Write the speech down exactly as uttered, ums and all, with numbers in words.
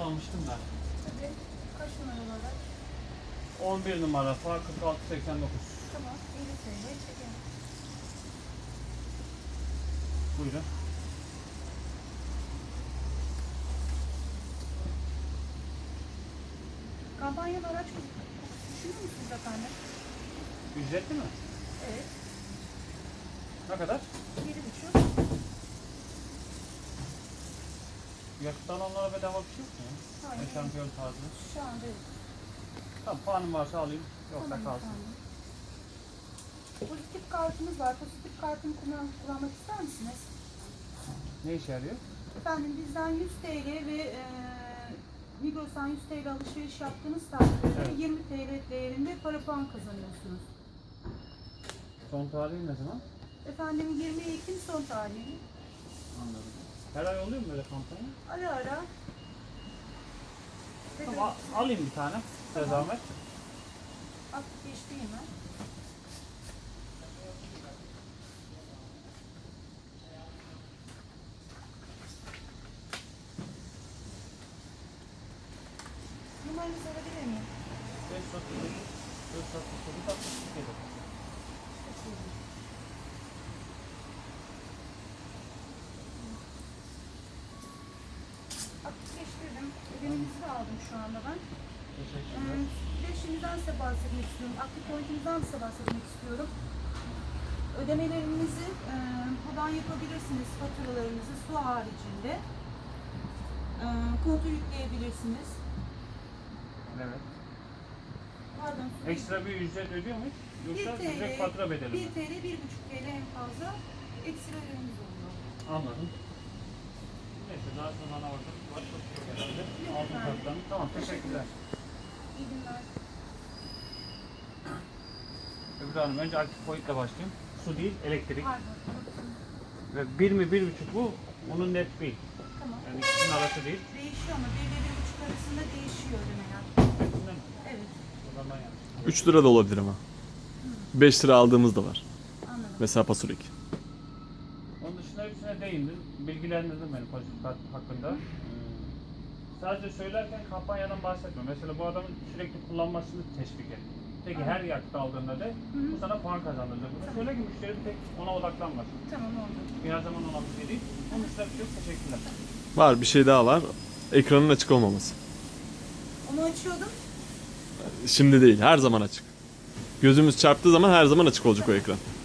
almıştım da. Tabii. Kaç numaralı araç? on bir numara F A kırk altı seksen dokuz. Tamam. elli T L çekelim. Buyurun. Kampanyalı araç düşünüyor musunuz efendim? Ücretli mi? Evet. Ne kadar? Yedi buçuk. Yakıt alanlara bedava bir şey yok mu? Hayır. Yani şampiyon tarzı. Şu anda yok. Tamam, puanım varsa alayım. Yoksa Tamam kalsın. efendim. Pozitif kartımız var. Pozitif kartını kullan kullanmak ister misiniz? Ne işe yarıyor? Efendim bizden yüz T L ve e, Migros'tan yüz T L alışveriş yaptığınız takdirde Evet. yirmi T L değerinde para puan kazanıyorsunuz. Son tarihi ne zaman? Efendim yirmi Ekim son tarihi. Anladım. Her ay oluyor mu böyle kampanya? Ara ara. Tamam, a- alayım bir tane. Size Tamam. zahmet. Aktif geçti hemen. Numaranızı alabilir miyim? beş otuz dokuz, dört altmış dokuz, altmış yedi. Aktifleştirdim. Ödemenizi de aldım şu anda ben. Teşekkürler. Ee, bir de şimdiden size bahsetmek istiyorum. Aktif pointimizden size bahsetmek istiyorum. Ödemelerinizi e, buradan yapabilirsiniz. Faturalarınızı su haricinde. E, kontu yükleyebilirsiniz. Evet. Pardon. su- Ekstra bir ücret ödüyor muyuz? bir Yoksa T L, direkt fatura bedeli mi? bir T L, bir buçuk T L en fazla ekstra ödemeniz oluyor. Anladım. Neyse, daha sonra bana orada başka bir şey herhalde. Yok Altın efendim. kartlarını. Tamam, teşekkürler. İyi günler. Öbür Hanım, önce aktif boyutla başlayayım. Su değil, elektrik. Pardon. Ve bir mi, bir buçuk bu. Onun net değil. Tamam. Yani ikisinin arası değil. Değişiyor ama bir ve bir buçuk arasında değişiyor ödemeler. Hepsinde mi? Evet. O zaman yanlış. üç lira da olabilir ama. beş lira aldığımız da var. Anladım. Mesela pasurik. Onun dışında hepsine değindim. Bilgilendirdim beni pozitif kart hakkında. Ee, sadece söylerken kampanyadan bahsetmiyorum. Mesela bu adamın sürekli kullanmasını teşvik et. Peki her yakıt aldığında da bu sana puan kazandıracak. Bunu söyle ki müşteri tek ona odaklanmasın. Tamam oldu. Bir her zaman olan bir şey değil. Onun dışında bir şey yok. Teşekkürler. Var, bir şey daha var. Ekranın açık olmaması. Onu açıyordum. Şimdi değil, her zaman açık. Gözümüz çarptığı zaman her zaman açık olacak o ekran.